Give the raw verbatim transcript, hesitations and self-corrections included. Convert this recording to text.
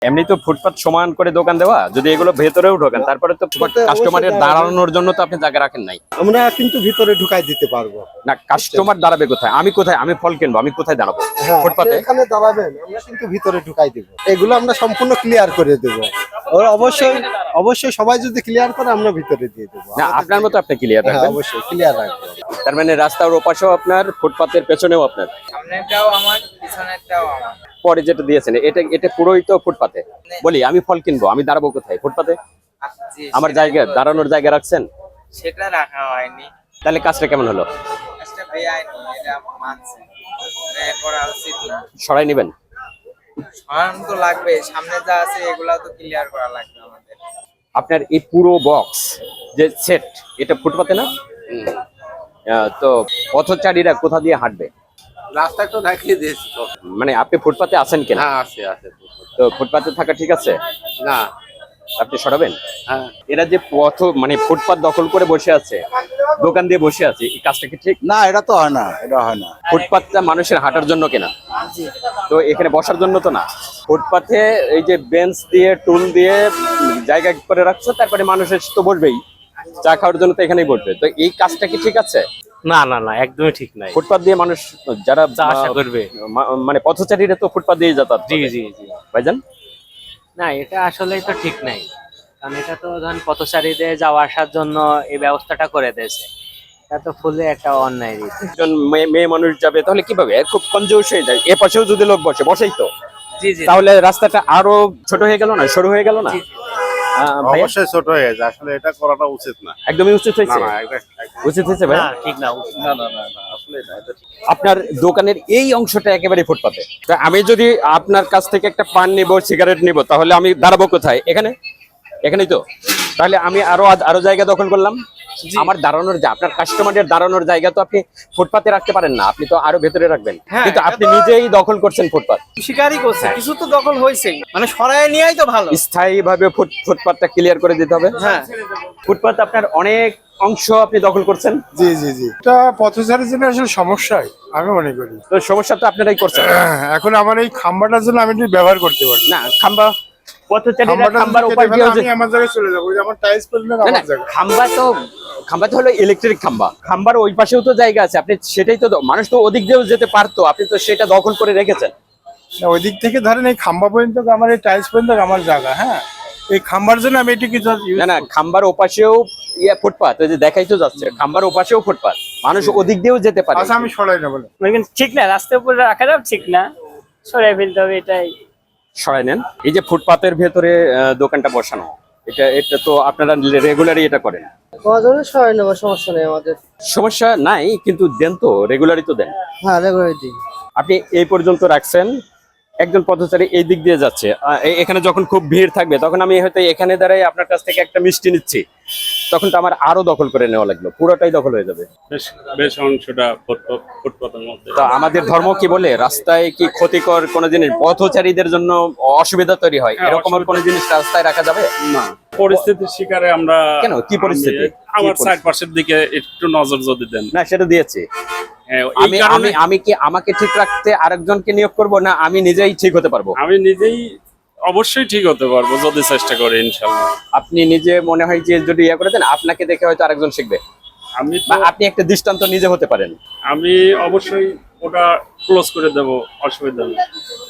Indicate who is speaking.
Speaker 1: এমনি তো ফুটপাত সমান করে দোকান দেওয়া, যদি এগুলো ভেতরেও ঢোকেন তারপরে তো কাস্টমারের দাঁড়ানোর জন্য তো আপনি জায়গা রাখেন নাই।
Speaker 2: আমরা কিন্তু ভিতরে ঢুকাই দিতে পারবো
Speaker 1: না, কাস্টমার দাঁড়াবে কোথায়? আমি কোথায়, আমি ফল কিনবো, আমি কোথায় দাঁড়াবো?
Speaker 2: হ্যাঁ,
Speaker 1: ফুটপাতে
Speaker 2: আপনি এখানে দাঁড়াবেন, আমরা কিন্তু ভিতরে ঢুকাই দিব। এগুলো আমরা সম্পূর্ণ ক্লিয়ার করে দেব। ওর অবশ্যই অবশ্যই সবাই যদি ক্লিয়ার করে আমরা ভিতরে দিয়ে দেবো।
Speaker 1: না, আপনার মতো আপনি ক্লিয়ার
Speaker 2: হ্যাঁ,
Speaker 1: রাখবেন।
Speaker 2: অবশ্যই ক্লিয়ার রাখবো।
Speaker 1: তার মানে রাস্তার ওপাশেও আপনার, ফুটপাতের পেছনেও আপনার,
Speaker 3: সামনেরটাও আমার, পিছনেরটাও আমার।
Speaker 1: পরে যেটা দিয়েছেন এটা এটা পুরোই তো ফুটপাতে। বলি আমি ফল কিনবো, আমি দাঁড়াবো কোথায়? ফুটপাতে।
Speaker 3: জি,
Speaker 1: আমার
Speaker 3: সেটা-
Speaker 1: জায়গা, দাঁড়ানোর জায়গা রাখছেন,
Speaker 3: সেটা রাখা হয়নি।
Speaker 1: তাহলে কাজটা কেমন হলো?
Speaker 3: কাজটা বেআইনি, এটা মানছে। এটা করা উচিত না।
Speaker 1: সরাই নেবেন।
Speaker 3: সরানো তো লাগবে, সামনে যা আছে এগুলা তো ক্লিয়ার করা লাগবে আমাদের।
Speaker 1: আপনার এই পুরো বক্স যে সেট, এটা ফুটপাতে না? আহ, তো পথচারীরা কোথা দিয়ে হাঁটবে?
Speaker 4: রাস্তা তো দেখিয়ে দিয়েছি তো।
Speaker 1: মানে আপনি ফুটপাতে আছেন কিনা?
Speaker 4: হ্যাঁ, আছে আছে।
Speaker 1: তো ফুটপাতে থাকা ঠিক আছে?
Speaker 4: না।
Speaker 1: আপনি সরাবেন।
Speaker 4: হ্যাঁ,
Speaker 1: এরা যে পথ মানে ফুটপাত দখল করে বসে আছে, দোকান দিয়ে বসে আছে, এই কাজটা কি ঠিক?
Speaker 5: না, এটা তো হয় না, এটা হয় না।
Speaker 1: ফুটপাতটা মানুষের হাঁটার জন্য কেনা, তো এখানে বসার জন্য তো না। ফুটপাতে এই যে বেঞ্চ দিয়ে, টুল দিয়ে জায়গা করে রাখছো, তারপরে মানুষের তো বসবেই, চা খাওয়ার জন্য তো এখানেই বসবে। তো এই কাজটা কি ঠিক আছে?
Speaker 6: না না না, একদমই ঠিক নাই।
Speaker 1: ফুটপাত দিয়ে মানুষ যারা
Speaker 6: যা আশা করবে।
Speaker 1: মা- মানে পথচারীরা তো ফুটপাত দিয়ে যাতায়াত
Speaker 6: জি
Speaker 1: করে।
Speaker 6: জি জি।
Speaker 1: ভাইজান,
Speaker 6: না, এটা আসলেই তো ঠিক নাই, কারণ এটা তো ধরেন পথচারীদের যাওয়া আসার জন্য এই ব্যবস্থাটা করে দিয়েছে। এটা তো ফুলে একটা অন্যায় রীতি।
Speaker 1: একজন মেয়ে মেয়ে মানুষ যাবে তাহলে কিভাবে? খুব কনজুস হয়ে যায়। এ পাশেও যদি লোক বসে, বসেই তো,
Speaker 6: জি জি।
Speaker 1: তাহলে রাস্তাটা আরো ছোট হয়ে গেল না, সরু হয়ে গেল না? আহ, ভাইয়া,
Speaker 4: অবশ্যই ছোট হয়ে গেছে, আসলে এটা করাটা উচিত না।
Speaker 1: একদমই উচিত
Speaker 4: না
Speaker 1: হয়েছে।
Speaker 4: না, এটা- এটা-
Speaker 1: উচিত হয়েছে ভাই।
Speaker 6: না, ঠিক না।
Speaker 4: না না না না, আসলে এটা এটা ঠিক না।
Speaker 1: আপনার দোকানের এই অংশটা একেবারে ফুটপাতে। তা আমি যদি আপনার কাছ থেকে একটা পান নিব, সিগারেট নিব, তাহলে আমি দাঁড়াবো কোথায়? এখানে, এখানেই তো। তাহলে আমি আরো আরো জায়গা দখল করলাম। আমার দাঁড়ানোর, যে আপনার কাস্টমারের দাঁড়ানোর জায়গা তো আপনি ফুটপাতে রাখতে পারেন না, আপনি তো আরো ভেতরে রাখবেন। কিন্তু আপনি নিজেই দখল করছেন ফুটপাত।
Speaker 7: শিকারই করছে, কিছু তো দখল হয়েছেই, মানে সরায় নিয়েই তো ভালো।
Speaker 1: স্থায়ী ভাবে ফুটপাতটা ক্লিয়ার করে দিতে হবে।
Speaker 7: হ্যাঁ,
Speaker 1: ফুটপাত আপনার অনেক অংশ আপনি দখল করছেন।
Speaker 8: জি জি জি এটা পথচারীর জন্য আসলে সমস্যাই আমি মনে করি।
Speaker 1: তো সমস্যা তো আপনারাই করছেন।
Speaker 8: এখন আমার এই খাম্বাটার জন্য আমি একটু ব্যবহার করতে পারি
Speaker 1: না, খাম্বা, পথচারীরা
Speaker 8: খাম্বাটা
Speaker 1: খাম্বার
Speaker 8: যদি
Speaker 1: উপর
Speaker 8: কেটে
Speaker 1: দিয়েও
Speaker 8: ফেলে
Speaker 1: যে-
Speaker 8: আমি আমার জায়গায় চলে যাবো, ওই যে আমার টাইলস পড়লে
Speaker 1: না না,
Speaker 8: আমার জায়গা।
Speaker 1: খাম্বা তো, খাম্বা তো হলো ইলেকট্রিক খাম্বা। খাম্বার ওই পাশেও তো জায়গা আছে, আপনি সেটাই তো, মানুষ তো ওদিক দিয়েও যেতে পারতো, আপনি তো সেটা দখল করে রেখেছেন।
Speaker 8: না, ওই দিক থেকে ধরেন এই খাম্বা পর্যন্ত আমার এই টাইলস পর্যন্ত আমার জায়গা। হ্যাঁ, এই খাম্বার জন্য আমি এটি কিছু
Speaker 1: না না, খাম্বার ওপাশেও ইয়ে ফুটপাত, ওই যে দেখাই তো যাচ্ছে, খাম্বার ওপাশেও ফুটপাত, মানুষ ওদিক দিয়েও যেতে পারে।
Speaker 8: আচ্ছা, আমি সরাই না বলে
Speaker 7: কিন্তু ঠিক না, রাস্তার উপরে রাখা যাবে ঠিক না, সরাই ফেলতে হবে, এটাই।
Speaker 1: সরাই নেন। এই যে ফুটপাতের ভেতরে আহ, দোকানটা বসানো, এটা এটা তো আপনারা রেগুলারই এটা করেন।
Speaker 7: কজনে সরাই নেবো, সমস্যা নেই আমাদের।
Speaker 1: সমস্যা নাই, কিন্তু দেন তো, রেগুলারই তো দেন।
Speaker 7: হ্যাঁ, রেগুলার দিই।
Speaker 1: আপনি এই পর্যন্ত রাখছেন, একজন পথচারী এই দিক দিয়ে যাচ্ছে, আহ, এ- এখানে যখন খুব ভিড় থাকবে তখন আমি হয়তো এখানে দাঁড়াই আপনার কাছ থেকে একটা মিষ্টি নিচ্ছি, তখন তো আমার আরো দখল করে নেওয়া লাগলো, পুরোটাই দখল হয়ে যাবে।
Speaker 9: বেশ বেশ অংশটা ফুটপাত ফুটপাতের মধ্যে।
Speaker 1: তো আমাদের ধর্ম কি বলে, রাস্তায় কি ক্ষতিকর কোনো জিনিস পথচারীদের জন্য অসুবিধা তৈরি হয়,
Speaker 9: হ্যাঁ,
Speaker 1: এরকম
Speaker 9: অসুবিধা।
Speaker 1: কোনো জিনিস রাস্তায় রাখা যাবে
Speaker 9: না, পরিস্থিতির শিকারে আমরা।
Speaker 1: কেন? কি পরিস্থিতি?
Speaker 9: আমি- আমার
Speaker 1: কি পরিস্থিতি?
Speaker 9: চারপাশের দিকে একটু নজর যদি দেন।
Speaker 1: না, সেটা দিয়েছি।
Speaker 9: হ্যাঁ, এই
Speaker 1: আমি
Speaker 9: কারণে
Speaker 1: আমি আমি কি আমাকে ঠিক রাখতে আরেকজনকে নিয়োগ করব, না আমি নিজেই ঠিক হতে পারবো?
Speaker 9: আমি নিজেই অবশ্যই ঠিক হতে পারবো যদি চেষ্টা করি, ইনশাল্লাহ।
Speaker 1: আপনি নিজে মনে হয় যে যদি ইয়ে করে দেন, আপনাকে দেখে হয়তো আরেকজন শিখবে,
Speaker 9: আমি
Speaker 1: বা
Speaker 9: তো
Speaker 1: আপনি একটা দৃষ্টান্ত নিজে হতে পারেন।
Speaker 9: আমি অবশ্যই ওটা ক্লোজ করে দেব, অসুবিধা নেই।